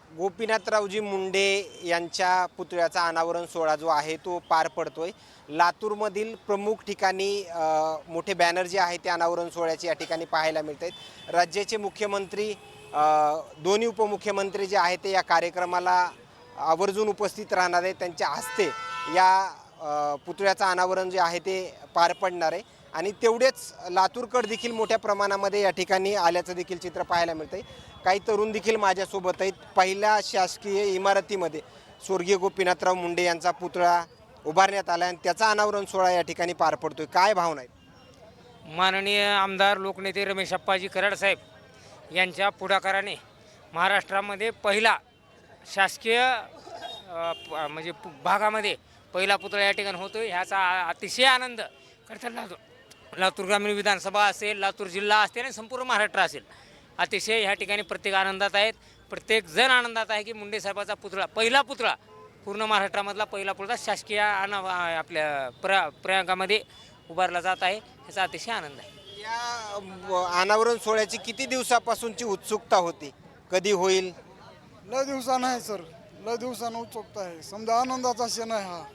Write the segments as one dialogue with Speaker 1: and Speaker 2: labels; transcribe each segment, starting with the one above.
Speaker 1: गोपीनाथरावजी मुंडे यांच्या पुतळ्याचा अनावरण सोहळा जो आहे तो पार पडतोय। लातूरमधील प्रमुख ठिकाणी मोठे बॅनर जे आहे ते अनावरण सोहळ्याचे या ठिकाणी पाहायला मिळत आहेत। राज्याचे मुख्यमंत्री दोन्ही उपमुख्यमंत्री जे आहेत ते या कार्यक्रमाला आवर्जून उपस्थित राहणार आहेत। त्यांच्या हस्ते या पुतळ्याचं अनावरण जे आहे ते पार पडणार आहे आणि तेवढेच लातूरकर देखील मोठ्या प्रमाणामध्ये या ठिकाणी आल्याचं देखील चित्र पाहायला मिळतंय। काही तरुण देखील माझ्यासोबत आहेत। पहिल्या शासकीय इमारतीमध्ये स्वर्गीय गोपीनाथराव मुंडे यांचा पुतळा उभारण्यात आला आणि त्याचा अनावरण सोहळा या ठिकाणी पार पडतोय। काय भावना आहेत?
Speaker 2: माननीय आमदार लोकनेते रमेश अप्पाजी कराड साहेब यांच्या पुढाकाराने महाराष्ट्रामध्ये पहिला शासकीय म्हणजे भागामध्ये पहिला पुतळा या ठिकाणी होतो। ह्याचा अतिशय आनंद खरं लातूर ग्रामीण विधानसभा असेल, लातूर जिल्हा असेल आणि संपूर्ण महाराष्ट्र असेल, अतिशय ह्या ठिकाणी प्रत्येक आनंदात आहेत। प्रत्येक जण आनंदात आहे की मुंडे साहेबाचा पुतळा, पहिला पुतळा पूर्ण महाराष्ट्रामधला पहिला पुतळा शासकीय आपल्या प्रयागामध्ये उभारला जात आहे। ह्याचा अतिशय आनंद आहे।
Speaker 1: या अनावरण सोहळ्याची किती दिवसापासूनची उत्सुकता होती? कधी होईल?
Speaker 3: लय दिवसानं आहे सर, लय दिवसानं उत्सुकता आहे। समजा आनंदाचा क्षण आहे हा।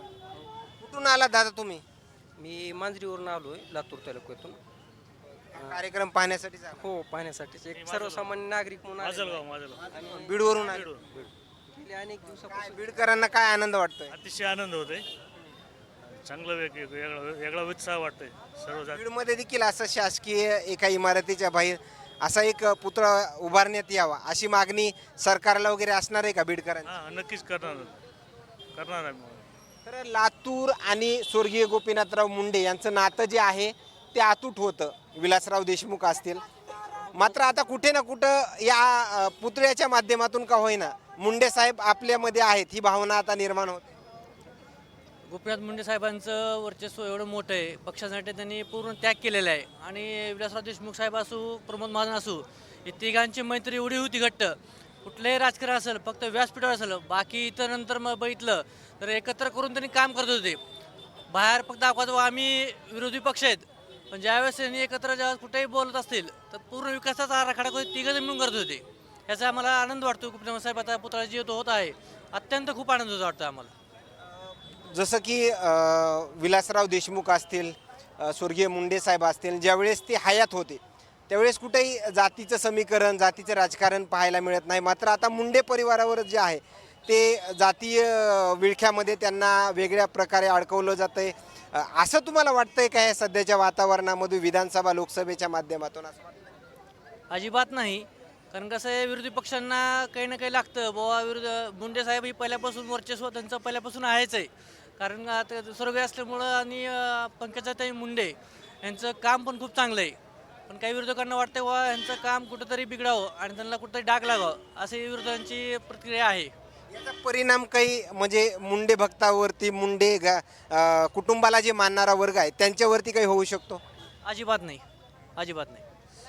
Speaker 1: कुठून आला दादा तुम्ही?
Speaker 4: मी मांजरीवरून आलोय, लातूर तालुक्यातून।
Speaker 1: कार्यक्रम पाहण्यासाठी झाला?
Speaker 4: हो, पाहण्यासाठीच एक सर्वसामान्य नागरिक म्हणून
Speaker 1: आणि बीडवरून आले?
Speaker 4: गेल्या अनेक
Speaker 1: काय
Speaker 4: दिवसापासून
Speaker 1: बीडकरांना काय आनंद वाटतोय?
Speaker 5: अतिशय आनंद होतोय। चांगलं वेगळा उत्साह वाटतोय सर्व जाती।
Speaker 1: बीडमध्ये देखील असं शासकीय एका इमारतीच्या बाहेर असा एक पुतळा उभारण्यात यावा अशी मागणी सरकारला वगैरे असणार आहे का बीडकरांची?
Speaker 5: हां, नक्कीच करणार आहे।
Speaker 1: तर लातूर आणि स्वर्गीय गोपीनाथराव मुंडे यांचं नातं जे आहे ते अतूट होतं। विलासराव देशमुख असतील, मात्र आता कुठे ना कुठं या पुतळ्याच्या माध्यमातून का होईना मुंडे साहेब आपल्यामध्ये आहेत ही भावना आता निर्माण होते।
Speaker 6: गोपीनाथ मुंडे साहेबांचं वर्चस्व एवढं मोठं आहे, पक्षासाठी त्यांनी पूर्ण त्याग केलेला आहे। आणि विलासराव देशमुख साहेब असू, प्रमोद महाजन असू, ही तिघांची मैत्री एवढी होती घट्ट, कुठलंही राजकारण असेल, फक्त व्यासपीठावर असेल, बाकी इतर नंतर मग बघितलं तर एकत्र करून त्यांनी काम करत होते। बाहेर फक्त दाखवत आम्ही विरोधी पक्ष आहेत, पण ज्यावेळेस त्यांनी एकत्र जेव्हा कुठेही बोलत असतील तर पूर्ण विकासाचा आराखडा तिघं मिळून करत होते। याचा आम्हाला आनंद वाटतो। गोपीनाथ साहेब आता पुतळा जे होत आहे, अत्यंत खूप आनंद वाटतो आम्हाला।
Speaker 1: जसं की विलासराव देशमुख असतील, स्वर्गीय मुंडे साहेब असतील, ज्यावेळेस ते हयात होते त्यावेळेस कुठेही जातीचं समीकरण, जातीचं राजकारण पाहायला मिळत नाही। मात्र आता मुंडे परिवारावर जे आहे ते जातीय विळख्यामध्ये त्यांना वेगळ्या प्रकारे अडकवलं जातंय। असं तुम्हाला वाटतंय का या सध्याच्या वातावरणामध्ये विधानसभा लोकसभेच्या माध्यमातून? असं वाटतं
Speaker 6: अजिबात नाही, कारण कसं आहे, विरोधी पक्षांना काही ना काही लागतं बाबा। मुंडे साहेब ही पहिल्यापासून वर्चस्व त्यांचं पहिल्यापासून आहेच आहे, कारण आता स्वर्गीय असल्यामुळं आणि पंकजाताई मुंडे यांचं काम पण खूप चांगलं आहे। पण काही विरोधकांना वाटतं बाबा यांचं काम कुठंतरी बिघडावं आणि त्यांना कुठंतरी डाग लागावं, अशी विरोधकांची प्रतिक्रिया आहे।
Speaker 1: याचा परिणाम काही म्हणजे मुंडे भक्तावरती, मुंडे कुटुंबाला जे मानणारा वर्ग आहे त्यांच्यावरती काही होऊ शकतो?
Speaker 6: अजिबात नाही, अजिबात नाही।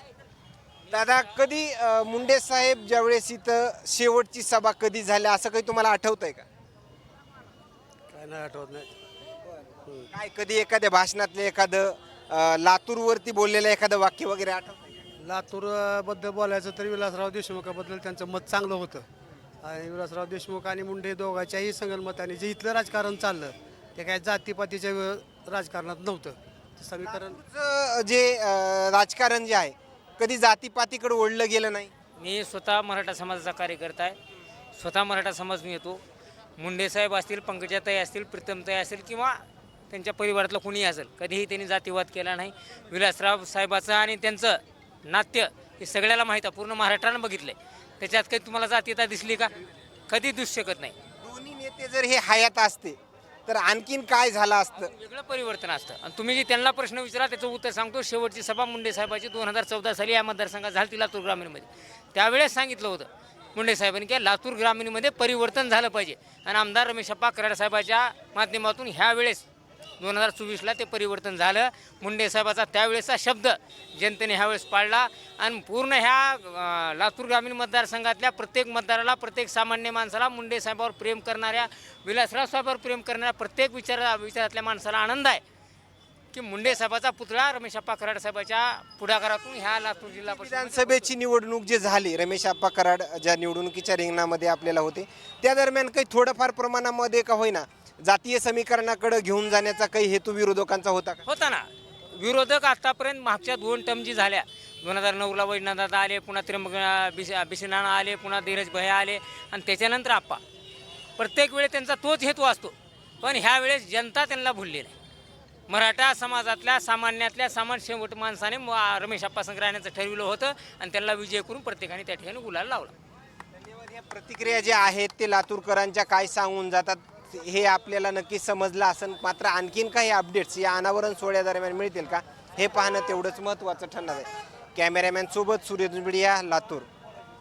Speaker 1: दादा, कधी मुंडे साहेब ज्यावेळेस इथं शेवटची सभा कधी झाल्या असं काही तुम्हाला आठवतंय का?
Speaker 3: काय नाही आठवत नाही।
Speaker 1: काय कधी एखाद्या भाषणातले एखादं लातूरवरती बोललेलं एखादं वाक्य वगैरे आठवतंय?
Speaker 3: लातूर बद्दल बोलायचं तर विलासराव देशमुखाबद्दल त्यांचं मत चांगलं होतं। आणि विलासराव देशमुख आणि मुंडे दोघांच्याही संगनमताने जे इथलं राजकारण चाललं ते काय जातीपातीच्या राजकारणात नव्हतं। समीकरण
Speaker 1: जे राजकारण जे आहे कधी जातीपातीकडे ओढलं गेलं नाही?
Speaker 2: मी स्वतः मराठा समाजाचा कार्यकर्ता आहे, स्वतः मराठा समाज मी येतो। मुंडे साहेब असतील, पंकजाताई असतील, प्रीतमताई असतील किंवा त्यांच्या परिवारातलं कोणीही असेल, कधीही त्यांनी जातीवाद केला नाही। विलासराव साहेबाचं आणि त्यांचं नाट्य हे सगळ्याला माहीत आहे, पूर्ण महाराष्ट्रानं बघितलं आहे। त्याच्यात काही तुम्हाला जातीयता दिसली का? कधी दिसू शकत नाही।
Speaker 1: दोन्ही नेते जर हे हयात असते तर आणखीन काय झालं असतं?
Speaker 2: वेगळं परिवर्तन असतं। आणि तुम्ही जे त्यांना प्रश्न विचारा त्याचं उत्तर सांगतो। शेवटची सभा मुंडे साहेबाची 2014 साली या मतदारसंघात झाली लातूर ग्रामीणमध्ये। त्यावेळेस सांगितलं होतं मुंडे साहेबांनी की लातूर ग्रामीणमध्ये परिवर्तन झालं पाहिजे आणि आमदार रमेश अप्पा कराड साहेबाच्या माध्यमातून ह्यावेळेस 2024ला ते परिवर्तन झालं। मुंडे साहेबाचा त्यावेळेसचा शब्द जनतेने ह्यावेळेस पाळला आणि पूर्ण ह्या लातूर ग्रामीण मतदारसंघातल्या प्रत्येक मतदाराला, प्रत्येक सामान्य माणसाला, मुंडे साहेबावर प्रेम करणाऱ्या, विलासराव साहेबावर प्रेम करणाऱ्या प्रत्येक विचारातल्या माणसाला आनंद आहे की मुंडे साहेबाचा पुतळा रमेशप्पा कराड साहेबाच्या पुढाकारातून ह्या लातूर जिल्हा परिषद
Speaker 1: विधानसभेची निवडणूक जी झाली, रमेश आप्पा कराड ज्या निवडणुकीच्या रिंगणामध्ये आपल्याला होते, त्या दरम्यान काही थोडंफार प्रमाणामध्ये का होईना जातीय समीकरणाकडे घेऊन जाण्याचा काही हेतू विरोधकांचा होता का?
Speaker 2: होता ना. विरोधक आतापर्यंत मागच्या 2 टर्म जी झाल्या, 2009ला वैजनाथदादा आले, पुन्हा त्र्यंबक बिसिनाना आले, पुन्हा धीरज भैया आले आणि त्याच्यानंतर आप्पा. प्रत्येक वेळेस त्यांचा तोच हेतू असतो. पण ह्या वेळेस जनता त्यांना भुललेली आहे. मराठा समाजातल्या सामान्यातल्या सामान्य शेवट माणसाने रमेश आप्पा संघ राहण्याचं ठरविलं होतं आणि त्यांना विजय करून प्रत्येकाने त्या ठिकाणी गुलाल लावला.
Speaker 1: धन्यवाद. या प्रतिक्रिया ज्या आहेत ते लातूरकरांच्या काय सांगून जातात हे आपल्याला नक्कीच समजलं असेल. मात्र आणखीन काही अपडेट्स या अनावरण सोहळ्यादरम्यान मिळतील का हे पाहणं तेवढंच महत्त्वाचं ठरणार आहे. कॅमेरामॅन सोबत सूर्य दुबडिया, लातूर.